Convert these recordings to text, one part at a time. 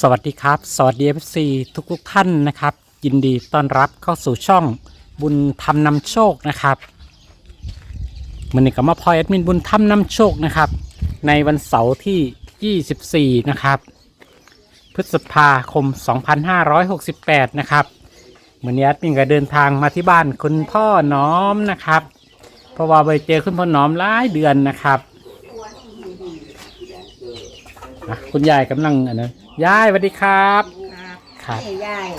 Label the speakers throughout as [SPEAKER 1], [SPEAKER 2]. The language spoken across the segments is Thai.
[SPEAKER 1] สวัสดีครับสวัสดี FC ทุกท่านนะครับยินดีต้อนรับเข้าสู่ช่องบุญธรรมนำโชคนะครับวันนี้ก็มาพลอยแอดมินบุญธรรมนำโชคนะครับในวันเสาร์ที่ 24 นะครับพฤษภาคม 2568 นะครับวันนี้แอดมินก็เดินทางมาที่บ้านคุณพ่อน้อมนะครับเพราะว่าไปเจอคุณพ่อน้อมหลายเดือนนะครับคุณยายกำลังยายสวัสดีครับครับ
[SPEAKER 2] นี่ยาย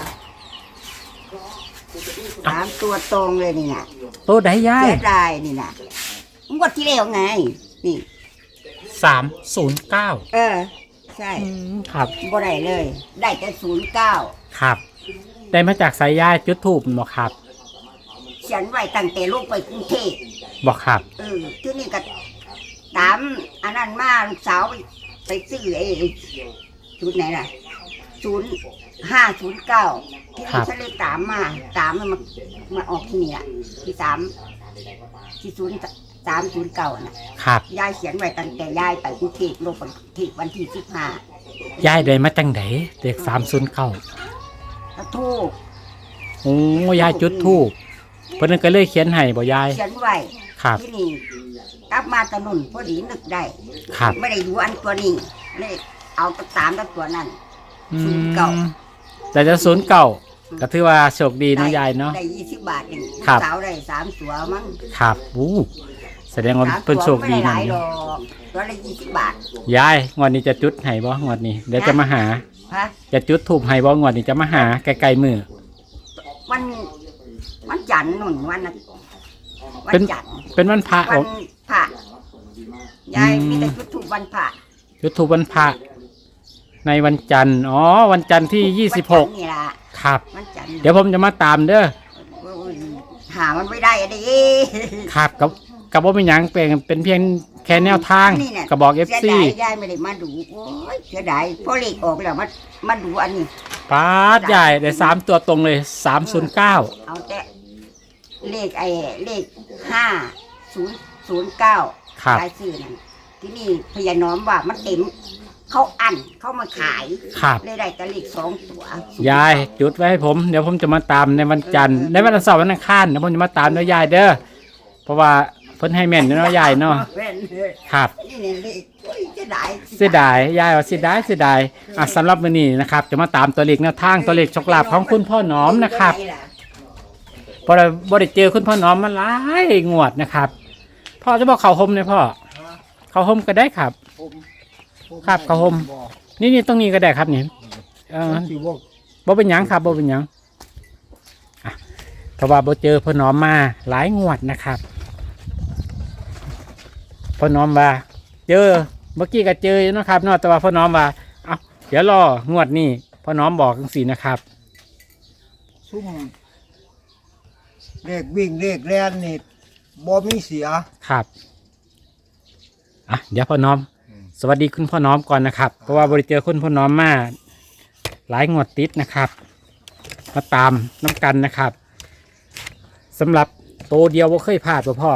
[SPEAKER 2] สามตัวตรงเลยนี่นะ
[SPEAKER 1] ตัวใดยาย
[SPEAKER 2] เสียดายนี่นะงวดที่แล้วไง นี่
[SPEAKER 1] 309
[SPEAKER 2] ใช่
[SPEAKER 1] ครับ
[SPEAKER 2] บ่ได้เลย ได้แต่09
[SPEAKER 1] ครับได้มาจากสายยายจุดทูบบอกครับ
[SPEAKER 2] เขียนไว้ตั้งแต่ลงไปกรุงเทพ
[SPEAKER 1] บอกครับ
[SPEAKER 2] ที่นี่ก็ตามอันนั้นมาลูกสาวไปซื้อชุดไหนล่ะ0509ที่นี่ฉันเลยตามมันมาออกที่นี่อ่ะที่0309นะครับ ยายเขียนไว้ตั้งแต่ยายไปกรุงเทพลงไปกรุงเทพวันที่15
[SPEAKER 1] ยายได้มาจังไดเด็ก309
[SPEAKER 2] แล้วทูบ
[SPEAKER 1] โอ้ยายจุดทูบเพิ่นก็เลยเขียนให้บ่ยาย
[SPEAKER 2] เขียนไว้
[SPEAKER 1] ครับ
[SPEAKER 2] ที่นี่กลับมาตะนุนพอดีนึกได้
[SPEAKER 1] ครับ
[SPEAKER 2] ไม่ได้ดูอันตัวนี้เลยเอาตัวตามตัวนั้น
[SPEAKER 1] แต่จะ09ก็ถือว่าโชคดีเนาะยายเนาะ
[SPEAKER 2] ได้20 บาทเอง
[SPEAKER 1] ครับ
[SPEAKER 2] สาวได้3ตัวมั้ง
[SPEAKER 1] ครับแสดงว่า
[SPEAKER 2] 3
[SPEAKER 1] เพิ่นโชคดี
[SPEAKER 2] ไม่ได้ห
[SPEAKER 1] นะ
[SPEAKER 2] ลายหรอกตัวละ20 บาท
[SPEAKER 1] ยายงวดนี้จะจุดให้บ่งวดนี้เดี๋ยวจะมาหา
[SPEAKER 2] ฮะ
[SPEAKER 1] จะจุดทูบให้บ่งวดนี้จะมาหาไกลๆมือ
[SPEAKER 2] มันจันทร์นุ่นวันนั้นวัน
[SPEAKER 1] เป็น
[SPEAKER 2] จันทร์
[SPEAKER 1] เป็นวันพระ
[SPEAKER 2] วันพระยายมีแต่จุดธูปวันพระ
[SPEAKER 1] จุดทูบวันพระในวันจันทร์วันจันทร์ที่
[SPEAKER 2] วันจันทร์
[SPEAKER 1] 26
[SPEAKER 2] นี่ล่ะ
[SPEAKER 1] ครับ
[SPEAKER 2] วันจันทร์
[SPEAKER 1] เดี๋ยวผมจะมาตามเด้อ
[SPEAKER 2] หามันไม่ได้อะดิ
[SPEAKER 1] ครับกับว่าเป็นหยังเป็นเพียงแค่แนวทาง
[SPEAKER 2] นี่น่ะ
[SPEAKER 1] กระบอก
[SPEAKER 2] เสีย
[SPEAKER 1] FC
[SPEAKER 2] ดายยายไม่ได้มาดูโอ้ยเสียดายพอเลขออกแล้วมาดูอันนี้
[SPEAKER 1] ปาดใหญ่ได้3ตัวตรงเลย 309
[SPEAKER 2] เอาแต่เลข5009
[SPEAKER 1] ครับ
[SPEAKER 2] รายชื่อนั่นที่นี่พญาน้อมว่ามันเต็มเขาอั้นเขามาขาย
[SPEAKER 1] ครับ
[SPEAKER 2] เลยได้แต่เลข2 ตัวย
[SPEAKER 1] ายจุดไว้ให้ผมเดี๋ยวผมจะมาตามในวันจันทร์ในวันเสาร์วันอังคารเดี๋ยวผมจะมาตามด้วยยายเด้อเพราะว่าเพิ่นให้แม่นเนาะยายเนาะ
[SPEAKER 2] แม่นเลย
[SPEAKER 1] ครับ
[SPEAKER 2] นี่เนี่ยเลขโอ้ยเสียดาย
[SPEAKER 1] เสียดายยายว่าเสียดายสำหรับมื้อนี้นะครับจะมาตามตัวเลขแนวทางตัวเลขโชคลาภของคุณพ่อหนอมนะครับพอเราบ่ได้เจอคุณพ่อหนอมมาหลายงวดนะครับพ่อจะบอกเขาห่มเลยพ่อเขาห่มก็ได้ครับ ครับเขาห่มนี่ตรงนี้ก็ได้ครับนี่บ่เป็นหยังครับบ่เป็นหยังเพราะว่าบ่เจอพ่อหนอมมาหลายงวดนะครับพ่อหนอมว่าเจอเมื่อกี้ก็เจออยู่นะครับเนาะแต่ว่าพ่อหนอมว่าเดี๋ยวรองวดนี้พ่อหนอมบอกจังซี่นะครับ
[SPEAKER 3] ซุ่มเลขวิ่งเลขแล่นนี่บ่มีเสีย
[SPEAKER 1] ครับเดี๋ยวพ่อหนอม สวัสดีคุณพ่อหนอมก่อนนะครับเพราะว่าบริเจอคุณพ่อหนอมมาหลายงวดติดนะครับมาตามน้ำกันนะครับสำหรับโตเดียวว่าเคยพลาดป่ะพ่อ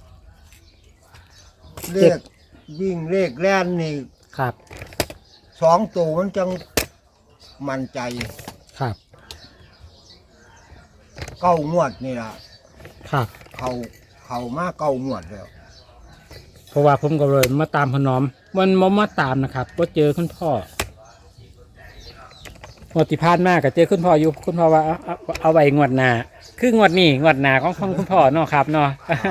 [SPEAKER 3] เลขวิ่งเลขแล่นนี่
[SPEAKER 1] ครับ
[SPEAKER 3] 2 ตัวมันจังมั่นใจ
[SPEAKER 1] ครับ
[SPEAKER 3] 9 งวดนี่ล่ะ
[SPEAKER 1] ครับ
[SPEAKER 3] เขามา9 งวดแล้ว
[SPEAKER 1] เพราะว่าผมก็เลยมาตามพ่อหนอมมันมาตามนะครับก็เจอคุณพ่อหมดที่พลาดมากก็เจอคุณพ่ออยู่คุณพ่อว่าเอาไว้งวดหน้าคืองวดนี้งวดหน้าของคุณพ่อเนาะครับเนาะ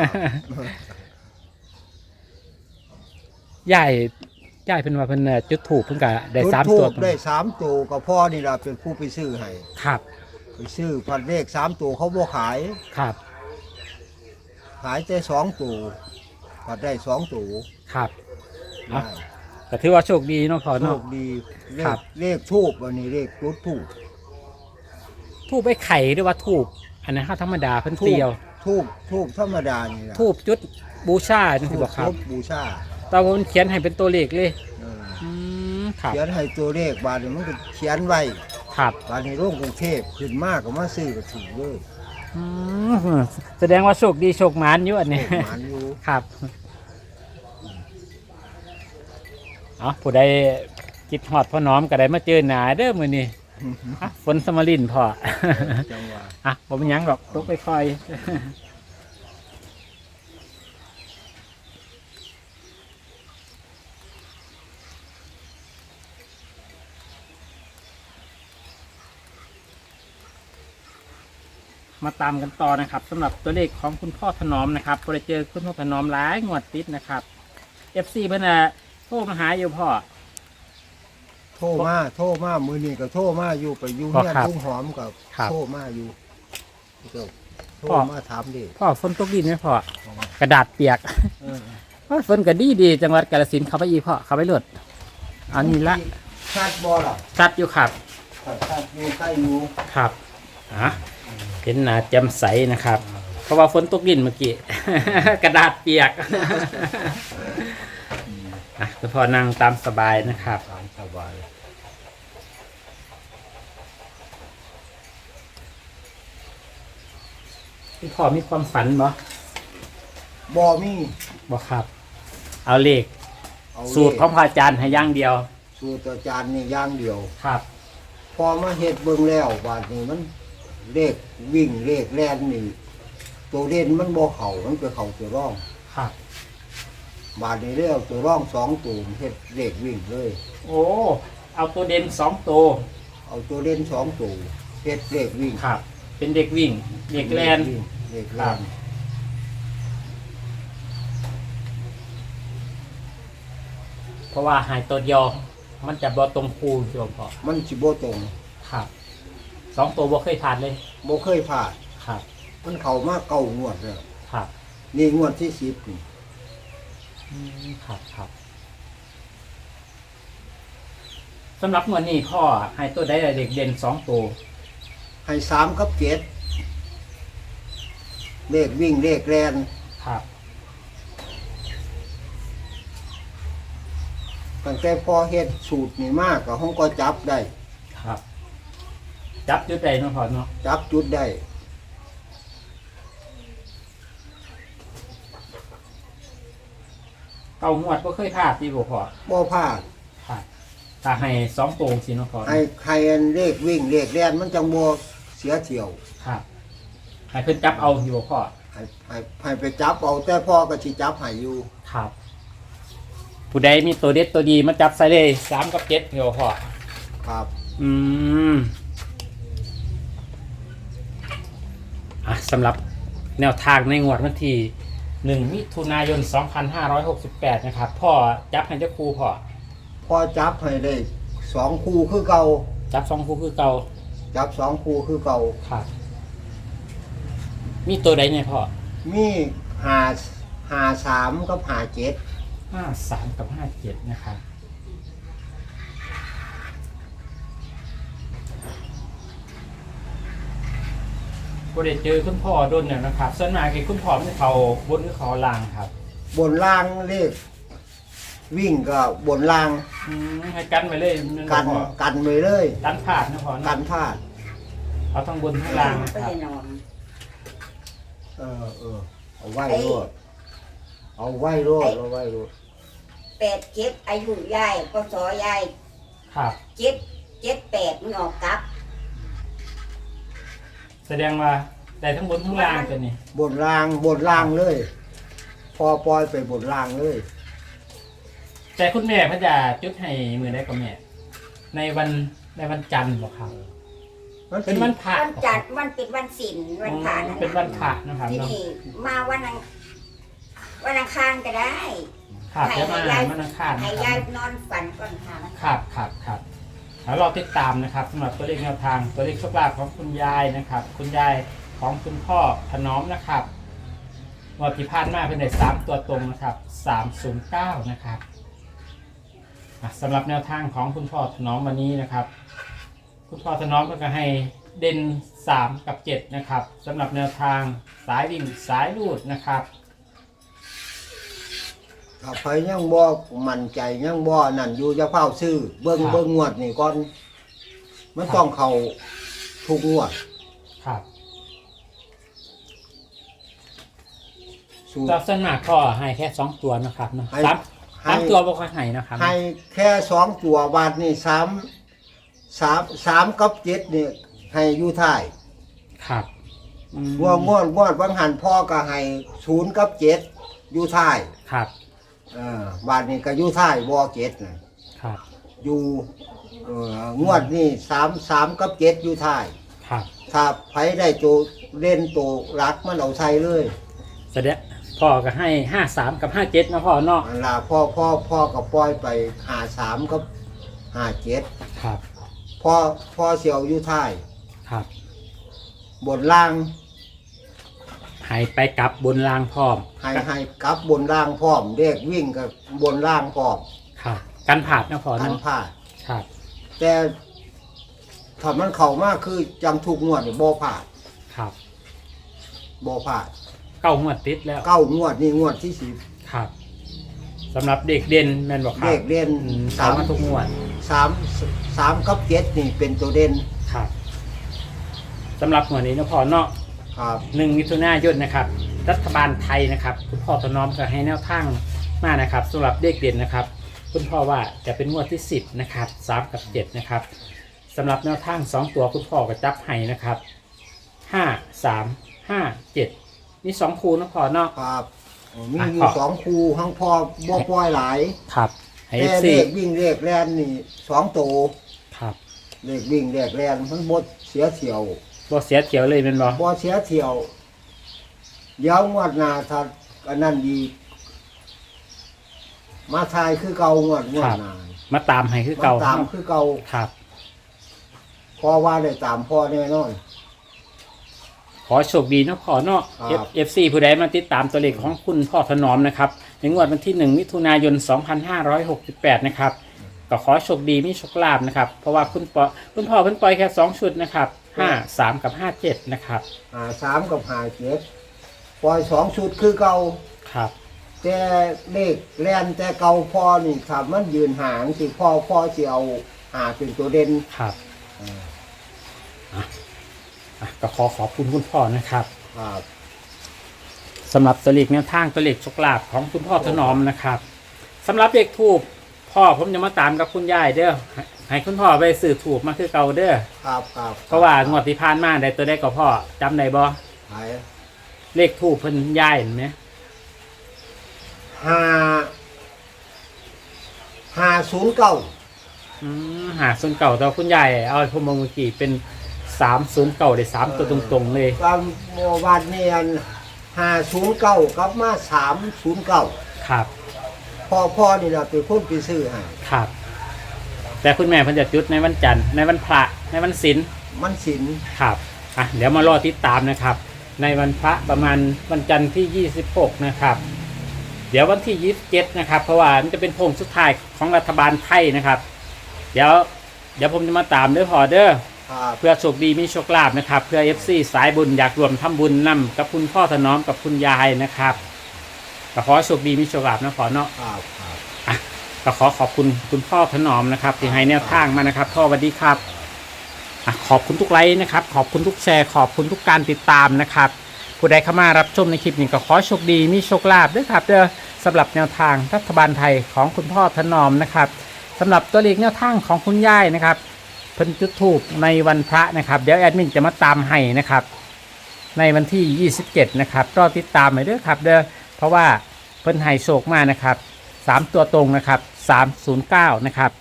[SPEAKER 1] ยายเป็นว่าเพิ่นจุดถูกเพิ่นก็ได้3 ตัว
[SPEAKER 3] จุดธูปได้3 ตัวก็พ่อนี่ล่ะเป็นผู้ไปซื้อให้
[SPEAKER 1] ครับ
[SPEAKER 3] ไปซื้อพันเลข3 ตัวเขาบ่ขาย
[SPEAKER 1] ครับ
[SPEAKER 3] ขายแต่2 ตัวพันได้2 ตัว
[SPEAKER 1] ครับ
[SPEAKER 3] ได้
[SPEAKER 1] ก็ถือว่าโชคดีเนาะพ่อ
[SPEAKER 3] โช
[SPEAKER 1] เนาะ
[SPEAKER 3] คดีเล
[SPEAKER 1] ครั
[SPEAKER 3] ข
[SPEAKER 1] บ
[SPEAKER 3] เลขทูบอันนี้เลขจุดทูบ
[SPEAKER 1] ทูบไอ้ไข่หรือว่าทูบอันนั้นข้าธรรมดาเพิ่นเตียว
[SPEAKER 3] ทูบธรรมดานี่ล่ะ
[SPEAKER 1] ทูบจุดบูชาจังซี่บ่ครับ
[SPEAKER 3] ทูบูชา
[SPEAKER 1] ตอนผมเขียนให้เป็นตัวเลขเลย
[SPEAKER 3] เออ
[SPEAKER 1] ครับ
[SPEAKER 3] เขียนให้ตัวเลขบาทนี่มันก็เขียนไว้
[SPEAKER 1] ครับ
[SPEAKER 3] บาทในโรงกรุงเทพขึ้นมากก็มาซื้อก็ถูกเลย
[SPEAKER 1] แสดงว่าโชคดีโชคหมานอยู่อันนี้
[SPEAKER 3] หมานอยู่
[SPEAKER 1] ครับผู้ใดคิดฮอดพ่อน้อมก็ได้มาเจอหนาเด้อมื้อนี้อ่ะฝนสมรินพ่อ
[SPEAKER 3] จังหวะ
[SPEAKER 1] อ่ะบ่เป็นหยังหรอกตกไปค่อยมาตามกันต่อนะครับสำหรับตัวเลขของคุณพ่อถนอมนะครับพอได้เจอคุณพ่อถนอมหลายงวดติดนะครับ FC เพิ่นน่ะโทรมาหาอยู่พ่อ
[SPEAKER 3] โทรมามือนี่ก็โทรมาอยู่ไปอยู่
[SPEAKER 1] อ๋อ
[SPEAKER 3] เนี่ย
[SPEAKER 1] ครับ
[SPEAKER 3] ทุ่งหอมกับ
[SPEAKER 1] ครับ
[SPEAKER 3] โทรมาอยู่เจ้าโทร
[SPEAKER 1] พ่อ
[SPEAKER 3] มาถามดิ
[SPEAKER 1] พ่อฝนตกดินไหมพ่อกระดาษเปียก
[SPEAKER 3] เออ
[SPEAKER 1] พ่อฝนก็ดีจังหวัดกาฬสินธุ์เข้าไปอีกพ่อเข้าไปเลิศอันนี้ละ
[SPEAKER 3] ชาติบ่ล่ะ
[SPEAKER 1] ชัดอยู่ครับ
[SPEAKER 3] ชาติอยู่ใกล้อยู่
[SPEAKER 1] ครับอ่ะเห็นหนาแจ่มใสนะครับ เพราะว่าฝนตกดินเมื่อกี้ กระดาษเปียก อ่ะคุณพ่อนั่งตามสบายนะครับ
[SPEAKER 3] ตามสบาย
[SPEAKER 1] คุณพ่อมีความฝันบ่
[SPEAKER 3] บ่มี
[SPEAKER 1] บ่ครับ เอาเลข
[SPEAKER 3] เอา
[SPEAKER 1] สูตรของพระอาจารย์ให้อย่างเดียว
[SPEAKER 3] สูตรอาจารย์นี่อย่างเดียว
[SPEAKER 1] ครับ
[SPEAKER 3] พอมาเฮ็ดเบิ่งแล้วบาดนี้มันเลขวิ่งเลขแล่นนี่ตัวเด่นมันบ่เข้ามันไปเข้าตัวร่อง
[SPEAKER 1] ครับ
[SPEAKER 3] บาดนี้แล้วตัวร่อง2ตัวเฮ็ดเลขวิ่งเลย
[SPEAKER 1] โอ้เอาตัวเด่น2 ตัว
[SPEAKER 3] เอาตัวเด่น2ตัวเฮ็ดเลขวิ่ง
[SPEAKER 1] ครับ เป็นเด็กวิ่งเด็กแลน
[SPEAKER 3] เลข
[SPEAKER 1] ครั
[SPEAKER 3] แล่
[SPEAKER 1] บ
[SPEAKER 3] น
[SPEAKER 1] เพราะว่าหายตัวเดียวมันจะบ่ตรงคูณโยมพ่อ
[SPEAKER 3] มันสิบ่ตรง
[SPEAKER 1] ครับ2 ตัวบ่เคยผ่านเลย
[SPEAKER 3] บ่เคยพลาด
[SPEAKER 1] ครับ
[SPEAKER 3] มันเข้ามาเก้างวดแล้ว
[SPEAKER 1] ครับ
[SPEAKER 3] นี่งวดที่10นี่
[SPEAKER 1] ครับสำหรับงวดนี้พ่อให้ตัวได้เด็กเด่น2 ตัว
[SPEAKER 3] ให้3กับ7เลขวิ่งเลขแล่น
[SPEAKER 1] ครับ
[SPEAKER 3] ตั้งแต่พอเฮ็ดสูตรนี่มากก็ห้องก็จับได้
[SPEAKER 1] ครับ จับจุดใดเนาะพ่อเนาะ
[SPEAKER 3] จับจุดได้
[SPEAKER 1] เก้างวดบ่เคยพลาดที่บ่พ่อ
[SPEAKER 3] บ่พลาด
[SPEAKER 1] ครับถ้าให้2 ตัวสิเนาะพ่อ
[SPEAKER 3] ให้อันเลขวิ่งเลขแล่นมันจังบ่เสียเที่ยว
[SPEAKER 1] ครับให้เพิ่นจับเอาอยู่บ่พ่อ
[SPEAKER 3] ให้ไปจับเอาแต่พ่อก็สิจับให้อยู่
[SPEAKER 1] ครับ ผู้ใดมีตัวเด็ดตัวดีมาจับใส่เลย3 กับ 7อยู่บ่พ่อ
[SPEAKER 3] ครับ
[SPEAKER 1] อืมสำหรับแนวทางในงวดวันที่1 มิถุนายน 2568 นะครับ พ่อจับให้เจ้าครูพ่อ
[SPEAKER 3] พอจับให้ได้2คู่คือเก่า
[SPEAKER 1] จับ2คู่คือเก่า
[SPEAKER 3] จับ2คู่คือเก่า
[SPEAKER 1] ครับ มีตัวใดเนี่ยพ่อ
[SPEAKER 3] มี53กับ57
[SPEAKER 1] 53 กับ 57 นะครับบ่ได้เจอคุณพ่อโดนเนี่ยนะครับส่วนมากคือคุณพ่อมันเขาบนหรือเขาล่างครับ
[SPEAKER 3] บนล่างเลขวิ่งก็บนล่าง
[SPEAKER 1] ให้กันไปเลยนั่น
[SPEAKER 3] กัน
[SPEAKER 1] พ่อ
[SPEAKER 3] กันไว้เลย
[SPEAKER 1] กันพลาดนะพ่อ
[SPEAKER 3] กั
[SPEAKER 1] นะ
[SPEAKER 3] นพลาด
[SPEAKER 1] เอาทั้งบนทั้งล่างนะ
[SPEAKER 2] ก็
[SPEAKER 1] ครับ
[SPEAKER 2] จะนอน
[SPEAKER 3] เอาไว้โลดเอาไว้โลดเอาไว้โลด
[SPEAKER 2] 87อายุยายก็สอยาย
[SPEAKER 1] ครับ
[SPEAKER 2] 78มันออกกลับ
[SPEAKER 1] แสดงว่าได้ทั้งบนทั้งล่างตัวนี้
[SPEAKER 3] บนล่างเลย พอปล่อยไปบนล่างเลย
[SPEAKER 1] แต่คุณแม่พระจะจุดให้มือได้กับแม่ ในวันจันทร์บอกครับ เป็นวันพระ
[SPEAKER 2] วันจันทร์มันเป็นวันศีลวันพระ
[SPEAKER 1] อ๋อเป็นวันพระนะครับ
[SPEAKER 2] ที่
[SPEAKER 1] เนาะ
[SPEAKER 2] นี่มาวันอังคารก็ได้
[SPEAKER 1] ครับจะมาวันอังคาร
[SPEAKER 2] ให้
[SPEAKER 1] นะค
[SPEAKER 2] ยาย
[SPEAKER 1] รับ
[SPEAKER 2] นอนฝันก่อนค่ะ
[SPEAKER 1] ครับแล้วเราติดตามนะครับสำหรับตัวเลขแนวทางตัวเลขโชคลาภของคุณยายนะครับ คุณยายของคุณพ่อถนอมนะครับงวดที่ผ่านมาเป็นได้3 ตัวตรงนะครับ309นะครับสำหรับแนวทางของคุณพ่อถนอมวันนี้นะครับ คุณพ่อถนอมก็ให้เด่น3 กับ 7นะครับสำหรับแนวทางสายวิ่งสายลูดนะครับ
[SPEAKER 3] ถ้าไปยังบ่มั่นใจยังบ่นั่นอยู่จะเฝ้าซื้อเบิ่ง
[SPEAKER 1] ครับ
[SPEAKER 3] เบิ่งงวดนี่ก่อนมันต้องเข้าทุกงวด
[SPEAKER 1] ครับ
[SPEAKER 3] สูตร
[SPEAKER 1] ตัวส่วนมากพ่อให้แค่2 ตัวนะครับเนาะ
[SPEAKER 3] ให้
[SPEAKER 1] สามตามตัวบ่ค่อยให้นะครับ
[SPEAKER 3] ให้แค่2ตัวบาทนี่3กับ7นี่ให้อยู่ท้าย
[SPEAKER 1] ครับอืม
[SPEAKER 3] งวดบางหันพ่อก็ให้0กับ7อยู่ท้าย
[SPEAKER 1] ครับ
[SPEAKER 3] บาทนี่ก็อยู่ท้ายบ่7น่ะ
[SPEAKER 1] ครับ
[SPEAKER 3] อยู่งวดนี่3กับ7อยู่ท้าย
[SPEAKER 1] ครับ
[SPEAKER 3] ถ้าไผได้ตัวเล่นตัวรักมันเอาใส่เลย
[SPEAKER 1] แสดงพ่อก็ให้53กับ57นะพ่อเนาะ
[SPEAKER 3] อันล่ะพ่อก็ปล่อยไป53กับ57
[SPEAKER 1] ครับ
[SPEAKER 3] พ่อเสียวอยู่ท้าย
[SPEAKER 1] ครับ
[SPEAKER 3] บนล่าง
[SPEAKER 1] ให้ไปกลับบนรางพร้อม
[SPEAKER 3] ให้กลับบนล่างพร้อมเด็กวิ่งกับบนล่างพร้อม
[SPEAKER 1] ครับกันผาดนะพ่อ
[SPEAKER 3] ทัน
[SPEAKER 1] เนาะ
[SPEAKER 3] พลาด
[SPEAKER 1] ครับ
[SPEAKER 3] แต่ถ้ามันเข้ามากคือจังทุกงวดนี่บ่พลาด
[SPEAKER 1] ครับ
[SPEAKER 3] บ่พลาด
[SPEAKER 1] 9งวดติดแล้ว
[SPEAKER 3] 9งวดนี่งวดที่
[SPEAKER 1] ครับสำหรับเด็กเด่นแม่นบอก
[SPEAKER 3] 10
[SPEAKER 1] ครั
[SPEAKER 3] เด็
[SPEAKER 1] บ
[SPEAKER 3] กเล่น
[SPEAKER 1] ตามมาทุกงวด
[SPEAKER 3] 3กับ7นี่เป็นตัวเด่น
[SPEAKER 1] ครับสำหรับงวดนี้นะพ่อเนาะ
[SPEAKER 3] ครับ
[SPEAKER 1] 1 มิถุนายนนะครับ รัฐบาลไทยนะครับคุณพ่อถนอมก็ให้แนวทางมานะครับสำหรับเด็กเด่นนะครับคุณพ่อว่าจะเป็นงวดที่10นะครับ3กับ7นะครับสำหรับแนวทาง2ตัวคุณพ่อก็จับให้นะครับ5 3 5 7นี่2คู่นะพ่อเนาะ
[SPEAKER 3] ครับมี
[SPEAKER 1] อ่ะ
[SPEAKER 3] อยู่
[SPEAKER 1] พ่อ
[SPEAKER 3] 2คู่ทั้งพ่อบ่ปล่อยหลาย
[SPEAKER 1] ครับให้
[SPEAKER 3] แต่
[SPEAKER 1] FC
[SPEAKER 3] เลขวิ่งเลขแล่นนี่2ตัว
[SPEAKER 1] ครับ
[SPEAKER 3] เลขวิ่งเลขแล่นมันบ่เสียเที่ยว
[SPEAKER 1] บ่เสียเขียวเลยเป็นบ่
[SPEAKER 3] บ่เสียเที่ยวเดี๋ยวงวดหน้าถ้าอันนั้นดีมาทายคือเก่างวดหน้า
[SPEAKER 1] มาตามให้คือเก่า
[SPEAKER 3] ตามคือเก่า
[SPEAKER 1] ครับ
[SPEAKER 3] เพราะว่าได้ตามพ่อแน่นอน
[SPEAKER 1] ขอโชคดีนะพ่อเนาะ
[SPEAKER 3] ครับ
[SPEAKER 1] FC ผู้ใดมาติดตามตัวเลขของคุณพ่อถนอมนะครับในงวดวันที่1มิถุนายน2568นะครับก็ขอโชคดีมีโชคลาภนะครับเพราะว่าคุณพ่อเพิ่นปล่อยแค่2ชุดนะครับ5 3กับ57นะครับ
[SPEAKER 3] 3กับ57ปล่อย2ชุดคือเก่า
[SPEAKER 1] ครับ
[SPEAKER 3] แต่เลขแล่นแต่เก่าพ่อนี่ถ้ามันยืนห่างสิพ่อสิเอาเป็นตัวเด่น
[SPEAKER 1] ครับก็ขอบคุณคุณพ่อนะครับ
[SPEAKER 3] ครับ
[SPEAKER 1] สำหรับตัวเลขแนวทางตัวเลขโชคลาภของคุณพ่อถนอมนะครับสำหรับเลขทูบพ่อผมจะมาตามกับคุณยายเด้อให้คุณพ่อไปสื่อถูกมาคือเก่าเด้อ
[SPEAKER 3] ครับ
[SPEAKER 1] เพราะว่างวดที่ผ่านมาได้ตัวได้ก็พ่อจำได้บ่
[SPEAKER 3] หาย
[SPEAKER 1] เลขทูบเพิ่นยายเห็นไหม
[SPEAKER 3] 509
[SPEAKER 1] หาส่วนเก่าแต่ว่าคุณยายเอาผมมองเมื่อกี้เป็น309ได้3ตัวตรงๆเลย
[SPEAKER 3] ตามวันนี้อัน509กลับมา309
[SPEAKER 1] ครับ
[SPEAKER 3] พ่อนี่ล่ะเป็นคนไปซื้อให้
[SPEAKER 1] ครับ แต่คุณแม่เพิ่นจะจุดในวันจันทร์ในวันพระในวันศีล
[SPEAKER 3] มันสิน
[SPEAKER 1] ครับเดี๋ยวมารอติดตามนะครับ ในวันพระประมาณวันจันทร์ที่26นะครับเดี๋ยววันที่27นะครับเพราะว่ามันจะเป็นโค้งสุดท้ายของรัฐบาลไทยนะครับเดี๋ยวผมจะมาตามเด้อพอเด้อ
[SPEAKER 3] ครับ
[SPEAKER 1] เพื่อโชคดีมีโชคลาภนะครับเพื่อ FC สายบุญอยากรวมทำบุญนำกับคุณพ่อถนอมกับคุณยายนะครับก็ขอโชคดีมีโชคลาภนะขอเนาะ
[SPEAKER 3] ครับ
[SPEAKER 1] ก็ขอบคุณคุณพ่อถนอมนะครับที่ให้แนวทางมานะครับพ่อสวัสดีครับขอบคุณทุกไลค์นะครับขอบคุณทุกแชร์ขอบคุณทุกการติดตามนะครับผู้ใดเข้ามารับชมในคลิปนี้ก็ขอโชคดีมีโชคลาภด้วยครับเด้อสำหรับแนวทางรัฐบาลไทยของคุณพ่อถนอมนะครับสำหรับตัวเลขแนวทางของคุณยายนะครับเพิ่นจุดธูปในวันพระนะครับเดี๋ยวแอดมินจะมาตามให้นะครับในวันที่27นะครับรอติดตามไปด้วยครับเด้อเพราะว่าเพิ่นให้โชคมานะครับ3ตัวตรงนะครับ309นะครับ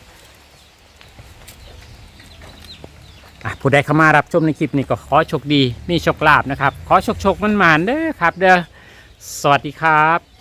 [SPEAKER 1] ผู้ใดเข้ามารับชมในคลิปนี้ก็ขอโชคดีมีโชคลาภนะครับขอโชคมันๆเด้อครับเด้อสวัสดีครับ